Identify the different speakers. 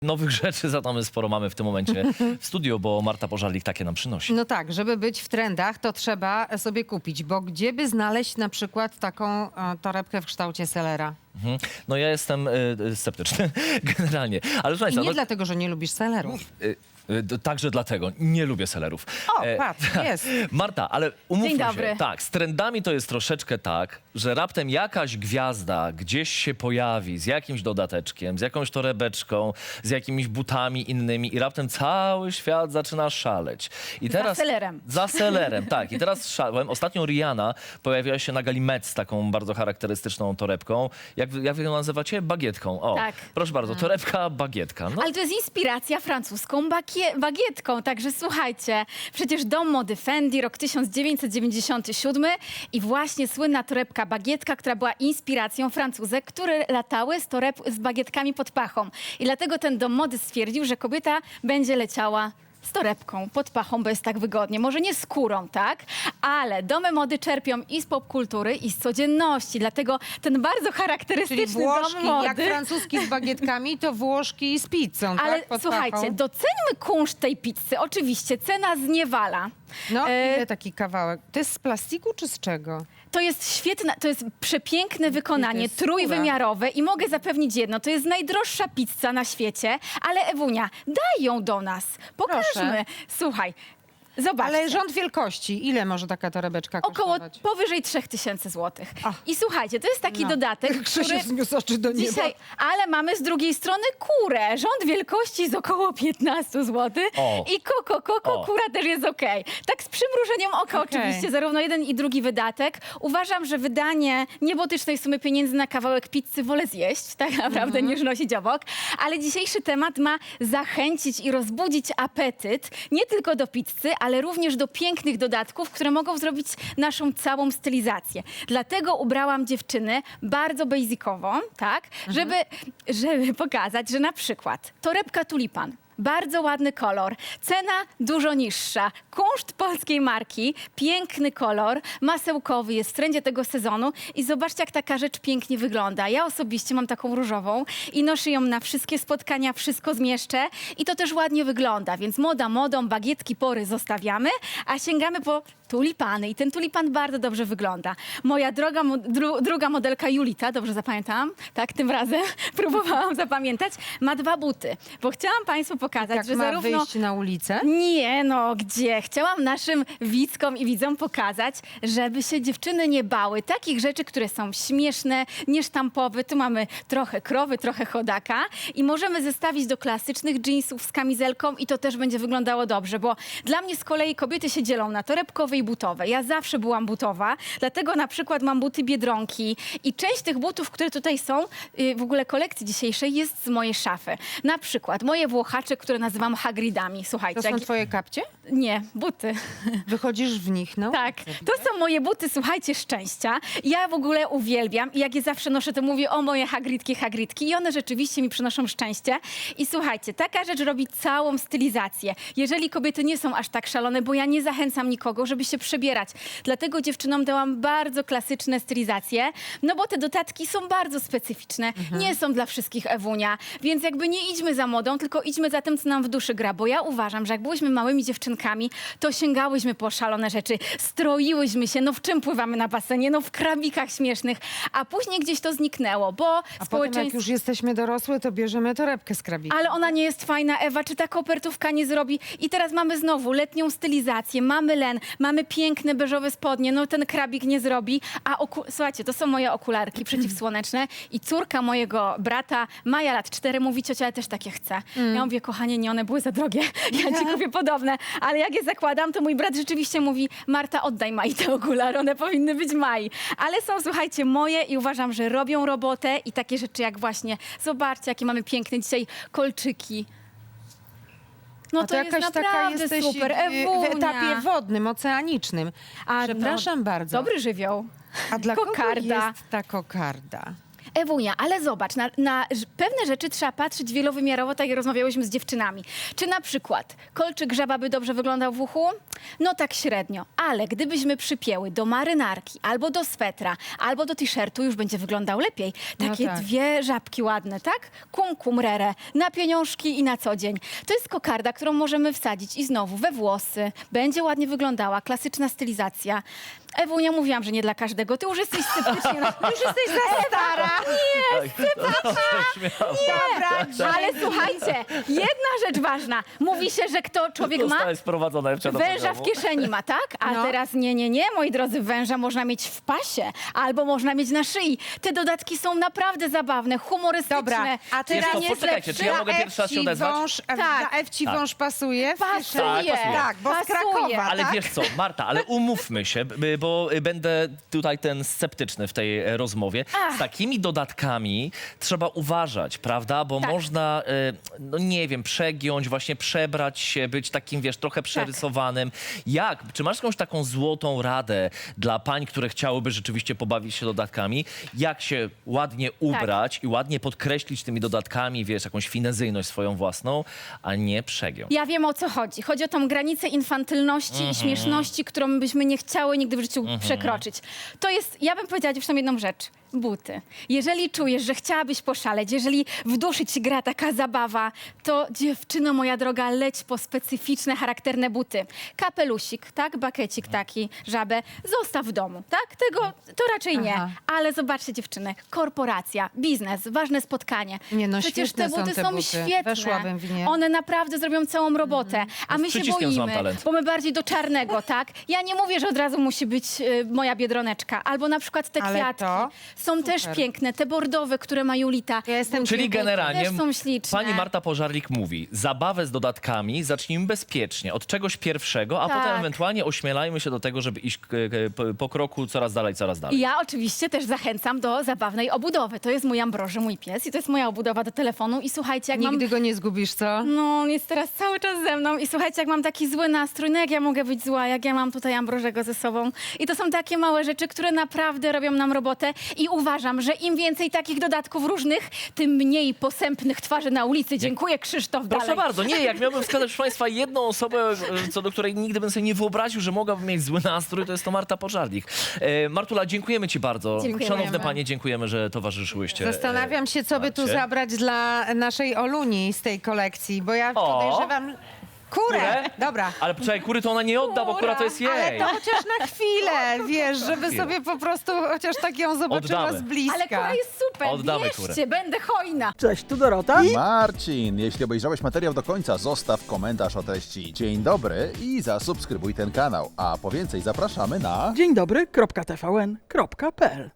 Speaker 1: Nowych rzeczy za to my sporo mamy w tym momencie w studiu, bo Marta Pożarlik takie nam przynosi.
Speaker 2: No tak, żeby być w trendach, to trzeba sobie kupić, bo gdzie by znaleźć na przykład taką torebkę w kształcie selera?
Speaker 1: No ja jestem sceptyczny generalnie, ale
Speaker 2: I
Speaker 1: słuchajcie,
Speaker 2: nie
Speaker 1: no,
Speaker 2: dlatego, że nie lubisz selerów.
Speaker 1: także dlatego nie lubię selerów.
Speaker 2: O, patrz, jest.
Speaker 1: Marta, ale umówmy
Speaker 3: Dzień
Speaker 1: się,
Speaker 3: dobry.
Speaker 1: tak, z trendami to jest troszeczkę tak, że raptem jakaś gwiazda gdzieś się pojawi z jakimś dodateczkiem, z jakąś torebeczką, z jakimiś butami innymi i raptem cały świat zaczyna szaleć. I teraz,
Speaker 3: selerem.
Speaker 1: Za selerem, tak. I teraz szalałem. Ostatnio Rihanna pojawiła się na gali Met z taką bardzo charakterystyczną torebką. Jak wy ją nazywacie? Bagietką. O,
Speaker 3: Tak.
Speaker 1: proszę bardzo, torebka, bagietka. No,
Speaker 3: Ale to jest inspiracja francuską bagietką, także słuchajcie, przecież dom mody Fendi, rok 1997 i właśnie słynna torebka bagietka, która była inspiracją Francuzek, które latały z bagietkami pod pachą. I dlatego ten dom mody stwierdził, że kobieta będzie leciała z torebką, pod pachą, bo jest tak wygodnie. Może nie skórą, tak? Ale domy mody czerpią i z popkultury, i z codzienności. Dlatego ten bardzo
Speaker 2: Czyli
Speaker 3: charakterystyczny
Speaker 2: Włoszki,
Speaker 3: dom mody...
Speaker 2: jak francuski z bagietkami, to Włoszki z pizzą,
Speaker 3: Ale
Speaker 2: tak? Pod
Speaker 3: słuchajcie,
Speaker 2: pachą.
Speaker 3: doceńmy kunszt tej pizzy. Oczywiście, cena zniewala.
Speaker 2: No, ile taki kawałek? To jest z plastiku czy z czego?
Speaker 3: To jest świetne, to jest przepiękne wykonanie,
Speaker 2: jest skóra.
Speaker 3: trójwymiarowe i mogę zapewnić jedno, to jest najdroższa pizza na świecie, ale Ewunia, daj ją do nas, pokażmy.
Speaker 2: Proszę.
Speaker 3: Słuchaj, zobaczcie.
Speaker 2: Ale rząd wielkości, ile może taka torebeczka
Speaker 3: Około
Speaker 2: kosztować?
Speaker 3: powyżej 3000 zł.
Speaker 2: Ach.
Speaker 3: I słuchajcie, to jest taki
Speaker 2: No.
Speaker 3: dodatek,
Speaker 2: Krzysiu
Speaker 3: który...
Speaker 2: zniósł oczy do nieba.
Speaker 3: Dzisiaj, ale mamy z drugiej strony kurę. Rząd wielkości jest około 15 zł.
Speaker 1: O.
Speaker 3: I
Speaker 1: O.
Speaker 3: kura też jest okej. Tak z przymrużeniem oka
Speaker 2: Okej.
Speaker 3: oczywiście, zarówno jeden i drugi wydatek. Uważam, że wydanie niebotycznej sumy pieniędzy na kawałek pizzy wolę zjeść, tak naprawdę, niż nosić obok. Ale dzisiejszy temat ma zachęcić i rozbudzić apetyt nie tylko do pizzy, ale również do pięknych dodatków, które mogą zrobić naszą całą stylizację. Dlatego ubrałam dziewczyny bardzo basicowo, tak, żeby pokazać, że na przykład torebka tulipan, bardzo ładny kolor, cena dużo niższa, kunszt polskiej marki, piękny kolor, masełkowy, jest w trendzie tego sezonu i zobaczcie, jak taka rzecz pięknie wygląda. Ja osobiście mam taką różową i noszę ją na wszystkie spotkania, wszystko zmieszczę i to też ładnie wygląda, więc moda modą, bagietki, pory zostawiamy, a sięgamy po tulipany i ten tulipan bardzo dobrze wygląda. Moja druga modelka Julita, dobrze zapamiętałam, tak, tym razem próbowałam zapamiętać, ma 2 buty, bo chciałam Państwu pokazać,
Speaker 2: Jak
Speaker 3: że
Speaker 2: ma
Speaker 3: zarówno...
Speaker 2: wyjść na ulicę?
Speaker 3: Nie, no gdzie? Chciałam naszym widzkom i widzom pokazać, żeby się dziewczyny nie bały takich rzeczy, które są śmieszne, niesztampowe. Tu mamy trochę krowy, trochę chodaka i możemy zestawić do klasycznych jeansów z kamizelką i to też będzie wyglądało dobrze, bo dla mnie z kolei kobiety się dzielą na torebkowe i butowe. Ja zawsze byłam butowa, dlatego na przykład mam buty Biedronki i część tych butów, które tutaj są, w ogóle kolekcji dzisiejszej, jest z mojej szafy. Na przykład moje włochacze, które nazywam Hagridami. Słuchajcie,
Speaker 2: To są twoje kapcie?
Speaker 3: nie, buty.
Speaker 2: Wychodzisz w nich, no?
Speaker 3: Tak, to są moje buty, słuchajcie, szczęścia. Ja w ogóle uwielbiam i jak je zawsze noszę, to mówię o moje Hagridki i one rzeczywiście mi przynoszą szczęście. I słuchajcie, taka rzecz robi całą stylizację. Jeżeli kobiety nie są aż tak szalone, bo ja nie zachęcam nikogo, żeby się przebierać. Dlatego dziewczynom dałam bardzo klasyczne stylizacje, no bo te dodatki są bardzo specyficzne. Nie są dla wszystkich, Ewunia, więc jakby nie idźmy za modą, tylko idźmy za tym, co nam w duszy gra, bo ja uważam, że jak byłyśmy małymi dziewczynkami, to sięgałyśmy po szalone rzeczy, stroiłyśmy się, no w czym pływamy na basenie, no w krabikach śmiesznych, a później gdzieś to zniknęło, bo
Speaker 2: A potem jak
Speaker 3: społeczeństwo...
Speaker 2: już jesteśmy dorosłe, to bierzemy torebkę z krabika.
Speaker 3: Ale ona nie jest fajna, Ewa, czy ta kopertówka nie zrobi? I teraz mamy znowu letnią stylizację, mamy len, mamy piękne beżowe spodnie, no ten krabik nie zrobi, a słuchajcie, to są moje okularki przeciwsłoneczne i córka mojego brata, Maja, lat 4, mówi: ciocia, ja też takie chcę. Ja mówię: kochanie, nie, one były za drogie, ja ci kupię podobne, ale jak je zakładam, to mój brat rzeczywiście mówi: Marta, oddaj Mai te okulary, one powinny być Mai. Ale są, słuchajcie, moje i uważam, że robią robotę i takie rzeczy jak właśnie, zobaczcie, jakie mamy piękne dzisiaj kolczyki. No
Speaker 2: A
Speaker 3: to jest
Speaker 2: jakaś taka
Speaker 3: naprawdę
Speaker 2: jesteś
Speaker 3: super,
Speaker 2: w
Speaker 3: Ewunia.
Speaker 2: etapie wodnym, oceanicznym.
Speaker 3: A,
Speaker 2: Przepraszam
Speaker 3: no,
Speaker 2: bardzo.
Speaker 3: Dobry żywioł.
Speaker 2: A dla kogo
Speaker 3: kokarda.
Speaker 2: jest ta kokarda?
Speaker 3: Ewunia, ale zobacz, na pewne rzeczy trzeba patrzeć wielowymiarowo, tak jak rozmawiałyśmy z dziewczynami. Czy na przykład kolczyk żaba by dobrze wyglądał w uchu? No tak średnio, ale gdybyśmy przypięły do marynarki, albo do swetra, albo do t-shirtu, już będzie wyglądał lepiej. Takie
Speaker 2: tak.
Speaker 3: dwie żabki ładne, tak? Kum kum rere, na pieniążki i na co dzień. To jest kokarda, którą możemy wsadzić i znowu we włosy. Będzie ładnie wyglądała, klasyczna stylizacja. Ewunia, mówiłam, że nie dla każdego. Ty już jesteś sceptycznie. Już jesteś za stara.
Speaker 2: Dobra,
Speaker 3: Ale słuchajcie, jedna rzecz ważna. Mówi się, że kto człowiek ma,
Speaker 1: Zostałeś sprowadzona Ewcia do
Speaker 3: węża w
Speaker 1: programu.
Speaker 3: kieszeni ma, tak? A
Speaker 2: No.
Speaker 3: teraz nie, moi drodzy, węża można mieć w pasie albo można mieć na szyi. Te dodatki są naprawdę zabawne, humorystyczne.
Speaker 2: Dobra, a
Speaker 1: Wiesz
Speaker 2: teraz
Speaker 1: co,
Speaker 3: nie
Speaker 1: poczekajcie, czy ja mogę pierwszy raz się odezwać?
Speaker 2: Tak. Dla Ewci
Speaker 1: Tak.
Speaker 2: wąż pasuje?
Speaker 3: Pasuje.
Speaker 1: pasuje.
Speaker 2: Tak, bo z
Speaker 3: Pasuje.
Speaker 2: Krakowa,
Speaker 1: Ale
Speaker 2: tak?
Speaker 1: wiesz co, Marta, ale umówmy się, bo będę tutaj ten sceptyczny w tej rozmowie.
Speaker 3: Ach.
Speaker 1: Z takimi dodatkami trzeba uważać, prawda? Bo
Speaker 3: Tak.
Speaker 1: można, no nie wiem, przegiąć, właśnie przebrać się, być takim, wiesz, trochę przerysowanym. Czy masz jakąś taką złotą radę dla pań, które chciałyby rzeczywiście pobawić się dodatkami? Jak się ładnie ubrać i ładnie podkreślić tymi dodatkami, wiesz, jakąś finezyjność swoją własną, a nie przegiąć?
Speaker 3: Ja wiem, o co chodzi. Chodzi o tą granicę infantylności i śmieszności, którą byśmy nie chciały nigdy w życiu przekroczyć. To jest, ja bym powiedziała dziewczynom jedną rzecz. Buty. Jeżeli czujesz, że chciałabyś poszaleć, jeżeli w duszy ci gra taka zabawa, to dziewczyno moja droga, leć po specyficzne, charakterne buty. Kapelusik, tak? Bakecik taki, żabę. Zostaw w domu, tak? Tego to raczej nie.
Speaker 2: Aha.
Speaker 3: Ale zobaczcie dziewczyny, korporacja, biznes, ważne spotkanie.
Speaker 2: Nie, no
Speaker 3: Przecież te
Speaker 2: świetne są
Speaker 3: buty
Speaker 2: te
Speaker 3: są
Speaker 2: buty.
Speaker 3: świetne.
Speaker 2: Weszłabym w nie.
Speaker 3: One naprawdę zrobią całą robotę. A my się
Speaker 1: przyciskiem znam
Speaker 3: boimy,
Speaker 1: talent.
Speaker 3: bo my bardziej do czarnego, tak? Ja nie mówię, że od razu musi być moja biedroneczka. Albo na przykład te
Speaker 2: Ale
Speaker 3: kwiatki.
Speaker 2: to
Speaker 3: Są też piękne. Te bordowe, które ma Julita.
Speaker 2: Ja jestem
Speaker 1: Czyli generalnie
Speaker 3: Też są śliczne.
Speaker 1: pani Marta Pożarlik mówi, zabawę z dodatkami zacznijmy bezpiecznie, od czegoś pierwszego, a
Speaker 3: Tak.
Speaker 1: potem ewentualnie ośmielajmy się do tego, żeby iść po kroku coraz dalej, coraz dalej.
Speaker 3: I ja oczywiście też zachęcam do zabawnej obudowy. To jest mój Ambroży, mój pies i to jest moja obudowa do telefonu. I słuchajcie, jak
Speaker 2: Nigdy
Speaker 3: mam...
Speaker 2: go nie zgubisz, co?
Speaker 3: No, on jest teraz cały czas ze mną i słuchajcie, jak mam taki zły nastrój, no jak ja mogę być zła, jak ja mam tutaj Ambrożego ze sobą. I to są takie małe rzeczy, które naprawdę robią nam robotę i uważam, że im więcej takich dodatków różnych, tym mniej posępnych twarzy na ulicy. Dziękuję, Krzysztof,
Speaker 1: Proszę
Speaker 3: dalej.
Speaker 1: bardzo, nie, jak miałbym wskazać, proszę Państwa, jedną osobę, co do której nigdy bym sobie nie wyobraził, że mogłaby mieć zły nastrój, to jest to Marta Pożarlik. Martula, dziękujemy Ci bardzo.
Speaker 3: Dziękujemy.
Speaker 1: Szanowne Panie, dziękujemy, że towarzyszyłyście.
Speaker 2: Zastanawiam się, co by tu
Speaker 1: Marcie.
Speaker 2: zabrać dla naszej Oluni z tej kolekcji, bo ja podejrzewam... Kurę! Dobra.
Speaker 1: Ale poczekaj, kury to ona nie odda, bo kura to jest jej.
Speaker 2: Ale to chociaż na chwilę, wiesz, żeby sobie po prostu chociaż tak ją zobaczyła
Speaker 1: Oddamy.
Speaker 2: z bliska.
Speaker 3: Ale kura jest super,
Speaker 1: Oddamy
Speaker 3: bierzcie, będę hojna.
Speaker 4: Cześć, tu Dorota.
Speaker 5: Marcin, jeśli obejrzałeś materiał do końca, zostaw komentarz o treści dzień dobry i zasubskrybuj ten kanał. A po więcej zapraszamy na...
Speaker 4: Dzień dobry, .tvn.pl